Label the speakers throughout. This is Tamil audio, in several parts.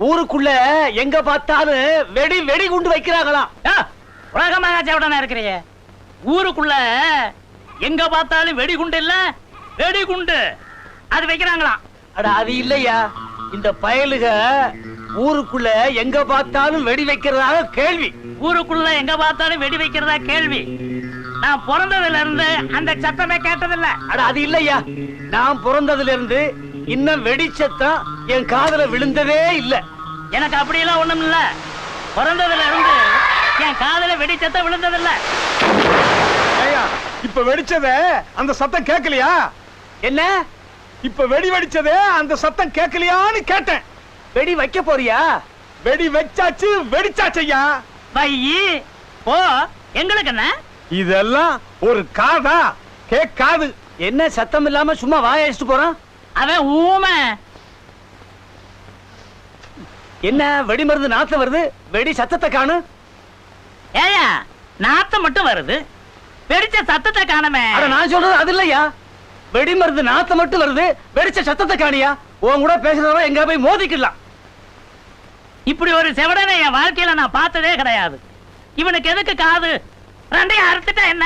Speaker 1: ஊருக்குள்ள எங்க பார்த்தாலும் வெடி வெடி குண்டு வைக்கிறாங்களாம்.
Speaker 2: உலகமாக சேவடனா இருக்கிறீங்க. ஊருக்குள்ள எங்க பார்த்தாலும் வெடிகுண்டு இல்ல வெடிகுண்டு அது வைக்கிறாங்களாம்.
Speaker 1: அட அது இல்லையா, இந்த பயலுக ஊருக்குள்ள எங்க பார்த்தாலும் வெடி வைக்கிறதாக கேள்வி.
Speaker 2: ஊருக்குள்ள எங்க பார்த்தாலும் வெடி வைக்கிறதா கேள்வி. நான் பிறந்ததுல இருந்து அந்த சத்தமே கேட்டதில்ல.
Speaker 1: அட அது இல்லையா, நான் பிறந்ததுல இருந்து இன்னும் வெடி சத்தம் என் காதுல விழுந்ததே இல்ல.
Speaker 2: எனக்கு அப்படியெல்லாம் ஒண்ணும் இல்ல. பிறந்ததுல இருந்து என் காதுல வெடி சத்தம் விழுந்ததில்ல.
Speaker 3: இப்ப வெடிச்சதே அந்த சத்தம் கேட்கலையா?
Speaker 1: என்ன
Speaker 3: இப்ப வெடி வெடிச்சதே அந்த சத்தம் கேட்கலையான்னு கேட்டேன்.
Speaker 1: வெடி வைக்க போறியா?
Speaker 3: வெடி வச்சாச்சு, வெடிச்சாச்சையா.
Speaker 2: வையி ஓ, எங்களுக்கு என்ன
Speaker 3: இதெல்லாம் ஒரு காதா? கேட்காது.
Speaker 1: என்ன சத்தம் இல்லாம சும்மா வாயடிச்சுட்டு போறான்?
Speaker 2: அவன் ஊமை.
Speaker 1: என்ன வெடி மருந்து நாத்தம் வருது, வெடி சத்தத்தை காணு.
Speaker 2: ஏயா நாத்தம் மட்டும் வருது, வெடிச்ச சத்தத்தை காணமே.
Speaker 1: அட நான் சொல்றது அது இல்லையா, வெடி மருந்து நாத்தம் மட்டும் வருது, வெடிச்ச சத்தத்தை காணியா? உன் கூட பேசுறவங்க எங்க போய் மோதிக்கலாம்.
Speaker 2: இப்படி ஒரு செவடனை என் வாழ்க்கையில நான் பார்த்ததே கிடையாது. இவனுக்கு எதுக்கு காது? ரெண்டையும் அறுத்துட்டா என்ன?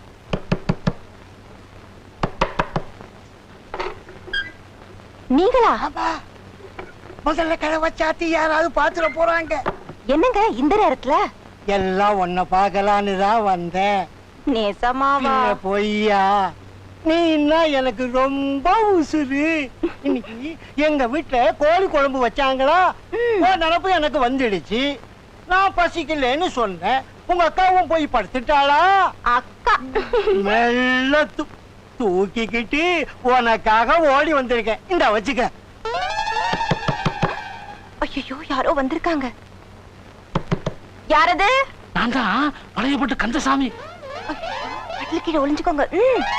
Speaker 4: நீங்களா?
Speaker 5: முதல்ல கதவை சாத்தி யாராவது பாத்துட போறாங்க.
Speaker 4: என்னங்க இந்த நேரத்துல?
Speaker 5: எல்லாம் உன்னை பார்க்கலான்னு தான் வந்தேன்.
Speaker 4: நேசமாவா?
Speaker 5: பொய்யா? நீ எனக்கு ரொம்ப உசுரு. இன்னைக்கு எங்க வீட்டுல கோழி குழம்பு வச்சாங்களா, நினப்பு எனக்கு வந்துடுச்சு. நான் பசிக்கலன்னு சொன்னேன். உங்க அக்காவும் போய் படுத்துட்டாளா?
Speaker 4: அக்கா
Speaker 5: மெல்ல தூக்கிக்கிட்டு உனக்காக ஓடி வந்திருக்கேன். இந்த வச்சுக்க.
Speaker 4: ஐயோ, யாரோ வந்திருக்காங்க. யாரது?
Speaker 2: நான் தான் பழையப்பட்டு கந்தசாமி.
Speaker 4: கட்டில கீழே ஒளிஞ்சுக்கோங்க.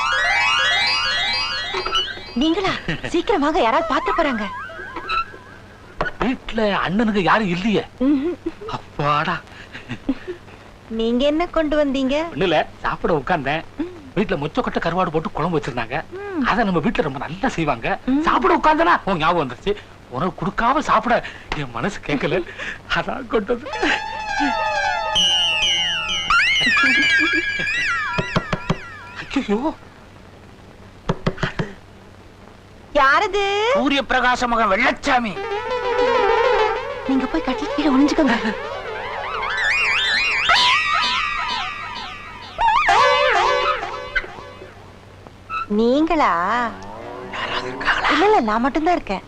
Speaker 4: நீங்களா? சீக்கிரம் வாங்க, யாராவது பாத்து போறாங்க.
Speaker 2: வீட்டுல அண்ணனுக்கு யாரும் இல்லையே. அப்பாடா.
Speaker 4: நீங்க என்ன கொண்டு வந்தீங்க?
Speaker 2: ஒண்ணுல சாப்பிட உட்கார்ந்தேன். வீட்டுல முச்சக்கொட்டை கருவாடு போட்டு குழம்பு வச்சிருந்தாங்க. அத நம்ம வீட்டுல ரொம்ப நல்லா செய்வாங்க. சாப்பிட உட்கார்ந்தனா உன் ஞாபகம் வந்துருச்சு. உனக்கு கொடுக்காம சாப்பிட என் மனசு கேட்கல, அதான் கொண்டது. ஐயோ,
Speaker 4: யாரது?
Speaker 2: சூரிய பிரகாச மகன் வெள்ளச்சாமி.
Speaker 4: நீங்க போய் கட்டில கீழே ஒளிஞ்சுக்கோங்க. நீங்களா? இல்ல இல்ல, நான் மட்டும்தான் இருக்கேன்.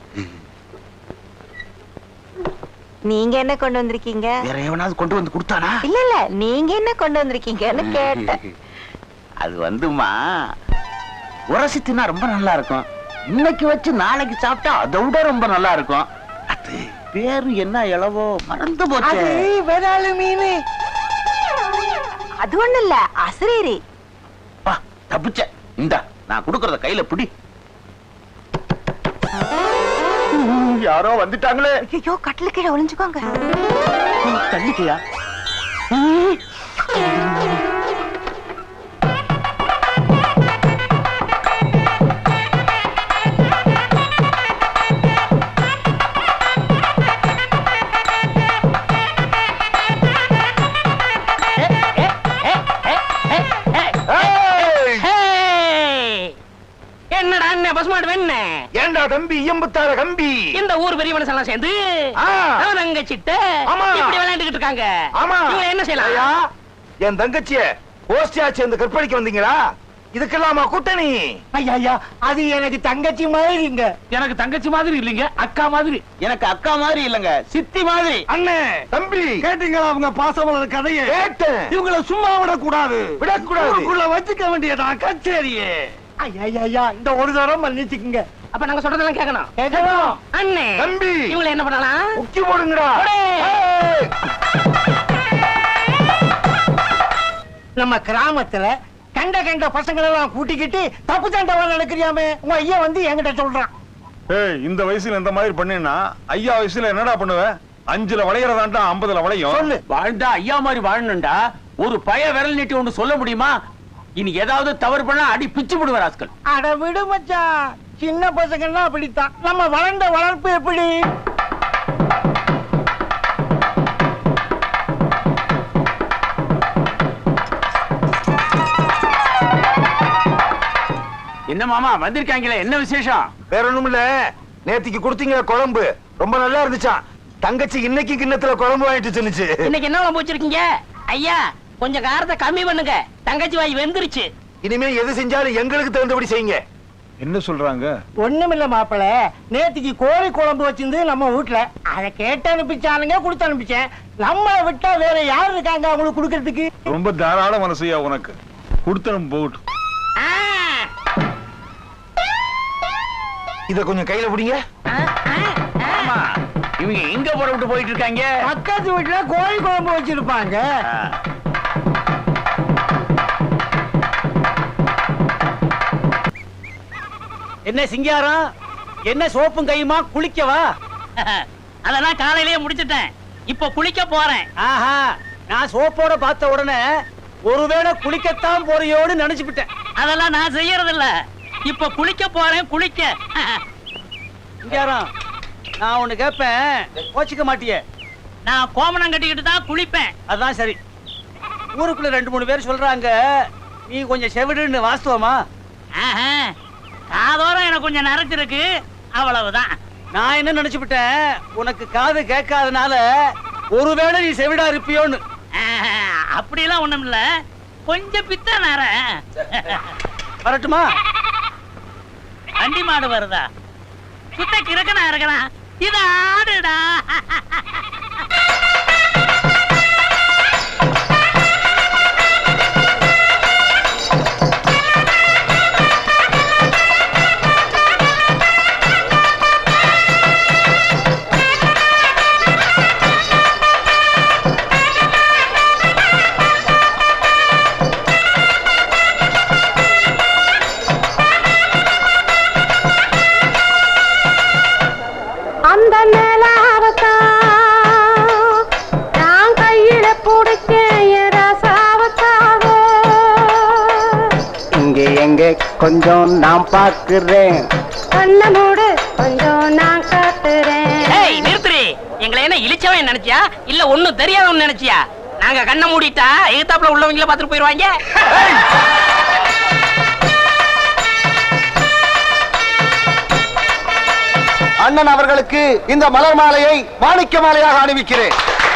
Speaker 4: நீங்க என்ன கொண்டு வந்திருக்கீங்க?
Speaker 1: வேற எவனாவது கொண்டு வந்து கொடுத்தானா?
Speaker 4: இல்ல இல்ல, நீங்க என்ன கொண்டு வந்திருக்கீங்கன்னு கேட்டேன்.
Speaker 1: அது வந்துமா, உரசி தின்னா ரொம்ப நல்லா இருக்கும். இன்னைக்கு வச்சு நாளைக்கு சாப்பிட்டா அதை விட ரொம்ப நல்லா இருக்கும். அது பேரு என்ன இளவோ மறந்து போச்சு.
Speaker 5: விராலு மீன்.
Speaker 4: அது ஒண்ணு இல்ல, அசரீரி.
Speaker 1: தப்பிச்ச. இந்த நான் குடுக்கறத கையில பிடி. யாரோ வந்துட்டாங்களே.
Speaker 4: ஐயோ, கட்டில கீழே ஒளிஞ்சுக்கோங்க.
Speaker 1: தள்ளிக்கையா?
Speaker 2: என்னடா அண்ணன் பசுமாடு வேண?
Speaker 3: ஏண்டா தம்பி எம்புத்தார கம்பி?
Speaker 2: இந்த ஊர் பெரிய மனுஷன் சேர்ந்து தங்கச்சிட்ட இப்படி விளையாண்டுகிட்டு இருக்காங்க. இவங்க என்ன செய்யலாம்?
Speaker 3: என் தங்கச்சிய கோஷ்டியா சேர்ந்து கற்பழிக்க வந்தீங்களா? இதுக்கெல்லாமா கூட்டணி?
Speaker 5: ஐயா, அது எனக்கு தங்கச்சி மாதிரிங்க.
Speaker 2: எனக்கு தங்கச்சி மாதிரி இல்லைங்க, அக்கா மாதிரி.
Speaker 1: எனக்கு அக்கா மாதிரி இல்லங்க, சித்தி மாதிரி.
Speaker 3: அண்ணே தம்பி, கேட்டீங்களா அவங்க பாசமலர் கதையை? கேட்டேன். இவங்களை சும்மா விடக்கூடாது, விடக்கூடாது. வச்சுக்க வேண்டியதா கச்சேரியே.
Speaker 5: ஐயா, இந்த ஒரு தரம் மன்னிச்சுக்குங்க.
Speaker 2: அப்ப நாங்க சொல்றதெல்லாம் கேட்கணும்.
Speaker 5: கேட்கணும்.
Speaker 2: அண்ணே
Speaker 3: தம்பி,
Speaker 2: இவங்களை என்ன பண்ணலாம்?
Speaker 3: முக்கி போடுங்கடா.
Speaker 5: நம்ம கிராமத்துல கண்ட பசங்களெல்லாம் கூட்டிக்கிட்டு தப்பு சண்டை நடக்கிறியாமே, உங்க ஐயா வந்து என்கிட்ட சொல்றான்.
Speaker 3: இந்த வயசுல இந்த மாதிரி பண்ணா ஐயா வயசுல என்னடா பண்ணுவ? 5ல வளையறதாண்டா 50ல வளையும்.
Speaker 1: சொல்லு. வாழ்ந்தா ஐயா மாதிரி வாழணும்டா. ஒரு பய விரல் நீட்டி ஒன்று சொல்ல முடியுமா? இனி ஏதாவது தவறு பண்ணா அடி பிச்சு விடுவார் ஆஸ்கள்.
Speaker 5: அட விடு மச்சான், சின்ன பசங்கன்னா அப்படித்தான். நம்ம வளர்ந்த வளர்ப்பு எப்படி?
Speaker 1: என்ன மாமா வந்திருக்காங்களே, என்ன விசேஷம்?
Speaker 3: வேற ஒண்ணும் இல்ல, நேத்திக்கு கொடுத்தீங்க குழம்பு ரொம்ப நல்லா இருந்துச்சாம். தங்கச்சி இன்னைக்கு கிண்ணத்துல குழம்பு வாங்கிட்டு சொன்னுச்சு.
Speaker 6: இன்னைக்கு என்ன குழம்பு வச்சிருக்கீங்க? ஐயா கொஞ்சம் காரத்தை கம்மி பண்ணுங்க, தங்கச்சி வாய் வெந்துருச்சு.
Speaker 3: இனிமே எது செஞ்சாலும் எங்களுக்கு தகுந்தபடி செய்யுங்க.
Speaker 7: என்ன சொல்றாங்க?
Speaker 5: ஒண்ணுமில்ல மாப்பிள, நேத்திக்கு கோழி குழம்பு வச்சிருந்து நம்ம வீட்டுல அதை கேட்டு அனுப்பிச்சானுங்க, கொடுத்து அனுப்பிச்சேன். நம்மளை விட்டா வேற யாரு இருக்காங்க அவங்களுக்கு கொடுக்கறதுக்கு?
Speaker 7: ரொம்ப தாராள மனசையா உனக்கு. கொடுத்தனும் போகட்டும்.
Speaker 3: இத கொஞ்சம் கையில பிடிங்க.
Speaker 1: ஆமா, இவங்க எங்க புறப்பட்டு போயிட்டு இருக்காங்க?
Speaker 5: பக்கத்து வீட்டுல கோழி குழம்பு வச்சிருப்பாங்க.
Speaker 8: என்ன சிங்காரம், என்ன சோப்பும் கையுமா, குளிக்கவா?
Speaker 6: அதெல்லாம் காலையிலேயே முடிச்சிட்டேன், இப்ப குளிக்க போறேன்.
Speaker 8: ஆஹா, நான் சோப்போட பார்த்த உடனே ஒருவேளை குளிக்கத்தான் போறியோன்னு நினைச்சுக்கிட்டேன்.
Speaker 6: அதெல்லாம் நான் செய்யறது இல்ல, இப்ப குளிக்க போறேன், குளிக்க.
Speaker 8: சிங்காரம், நான் ஒண்ணு கேட்பேன், கோச்சிக்க மாட்டியே?
Speaker 6: நான் கோமணம் கட்டிக்கிட்டு தான் குளிப்பேன்.
Speaker 8: அதான் சரி. ஊருக்குள்ள 2-3 பேர் சொல்றாங்க நீ கொஞ்சம் செவிடுன்னு, வாஸ்தவமா?
Speaker 6: ஆஹா, காதோரம் எனக்கு கொஞ்சம் நரைச்சிருக்கு, அவ்வளவுதான்.
Speaker 8: நான் என்ன நினைச்சுக்கிட்டேன், உனக்கு காது கேட்காதனால ஒருவேளை நீ செவிடா இருப்பியோன்னு.
Speaker 6: ஆஹா, அப்படியெல்லாம் ஒண்ணும் இல்ல, கொஞ்சம் பித்த நர.
Speaker 8: வரட்டுமா?
Speaker 6: வண்டி மாடு வருதா? சுத்த கிறுக்கனா இருக்கிறான், இது ஆடுடா.
Speaker 4: அந்த நிலாவத்தான் நான் கையில பிடிச்சேன் ரசாவத்தாக.
Speaker 5: இங்க எங்க கொஞ்சம் நான் பாக்குறேன்.
Speaker 4: கண்ண மூடு கொஞ்சம் நான் காட்டுறேன்.
Speaker 6: ஏய் நிறுத்துறி, எங்களை என்ன இழிச்சவன் நினைச்சியா இல்ல ஒண்ணும் தெரியாதவன் நினைச்சியா? நாங்க கண்ணை மூடிட்டா எதிர்த்தாப்புல உள்ளவங்கள பாத்துட்டு போயிருவாங்க.
Speaker 3: அண்ணன் அவர்களுக்கு இந்த மலர் மாலையை மாணிக்க மாலையாக அணிவிக்கிறேன்.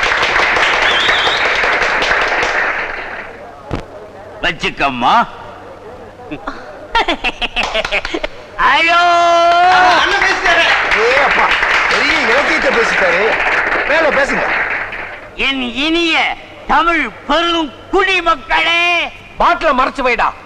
Speaker 1: வச்சுக்கம்மா. ஐயோ,
Speaker 3: ஏ அப்பா, பெரிய இலக்கியத்தை பேசிட்டாரு. மேல பேசுங்க.
Speaker 1: என் இனிய தமிழ் பெரும் குடிமக்களே,
Speaker 8: பாட்டில மறைச்சு வைடா.